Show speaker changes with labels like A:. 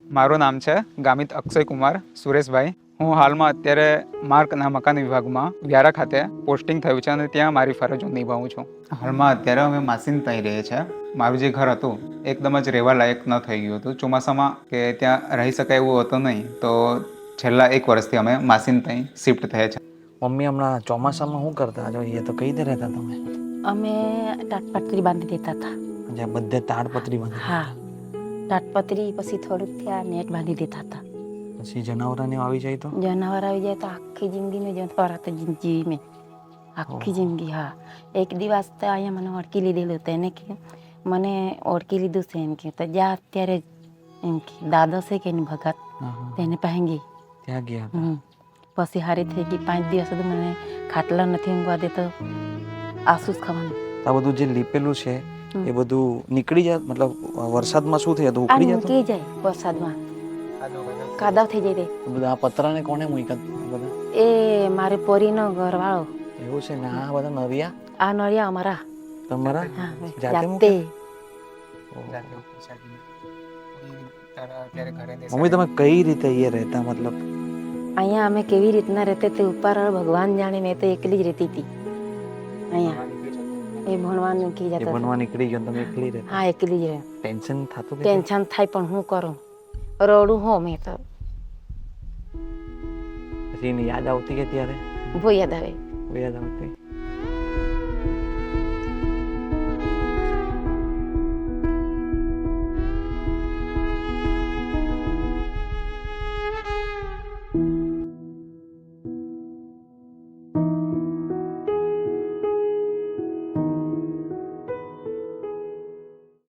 A: મારું નામ છે ગામિત અક્ષય કુમાર સુરેશભાઈ. હું હાલમાં અત્યારે માર્કના મકાન વિભાગમાં વ્યારા ખાતે પોસ્ટિંગ થયું છે અને ત્યાં મારી ફરજો નિભાવું છું. હાલમાં અત્યારે અમે માસીન થઈ રહીએ છીએ. મારું જે ઘર હતું એકદમ જ રહેવા લાયક ન થઈ ગયું હતું. ચોમાસામાં કે ત્યાં રહી શકાય એવું હતું નહીં, તો છેલ્લા 1 વર્ષથી અમે માસીન ત્યાં શિફ્ટ થયા છે.
B: મમ્મી હમણાં ચોમાસામાં શું કરતા જો એ તો કઈ રીતે રહેતા તમે?
C: અમે તાટપત્રી બાંધી દેતા હતા.
B: જ્યાં બધે તાડપત્રી બાંધી
C: હા, તાટપત્રી પછી થોડુંક ત્યાં નેટ બાંધી દેતા હતા.
B: પછી જનાવરાને આવી જાય તો
C: જનાવર આવી જાય તો આખી જિંદગી મેં જનાવર હતા જીવી મેં આખી જિંદગી. હા, એક દિવસ તો અહીંયા મને ઓળખી લીધેલું હતું. એને કે મને ઓળખી લીધું છે એમ કે તો જ્યાં અત્યારે એમ કે દાદો છે કે એની ભગત તેને પાસે ગઈ
B: ત્યાં ગયા હતા.
C: પછી હારી થઈ ગઈ. 5 દિવસ સુધી મને ખાટલા નથી ઊંઘવા દેતો, આંસુ જ ખાવાનું.
B: આ બધું જે લીપેલું છે એ બધું નીકળી જાય, મતલબ વરસાદમાં શું થઈ જતું?
C: આ
B: ઉખડી જતું?
C: નીકળી જાય વરસાદમાં, કાદવ થઈ જાય તે.
B: બધા આ પતરાને કોને મૂક્યા બધા?
C: એ મારે પોરીનો ઘરવાળો.
B: એવું છે ને? આ બધા નરિયા
C: આ નળિયા અમારા
B: તમારા
C: હા,
B: જાતે
C: જાતે.
B: મૂક્યા? મમ્મી તમે કઈ રીતે એ રહેતા? મતલબ
C: અહીંયા અમે કેવી રીતના રહેતે તે ઉપર ભગવાન જાણે. મેં તો એકલી જ રહેતી હતી અહીંયા. એ ભણવાનું કી
B: એ
C: જતા.
B: બનવા નીકળી ગયો તમે એકલી રહેતા?
C: હા, એકલી જ રહે.
B: ટેન્શન થતું કે?
C: ટેન્શન થાય પણ હું કરું, રડું હો મેં તો.
B: પછી એની યાદ આવતી કે ત્યારે?
C: બહુ યાદ આવે.
B: યાદ આવતી.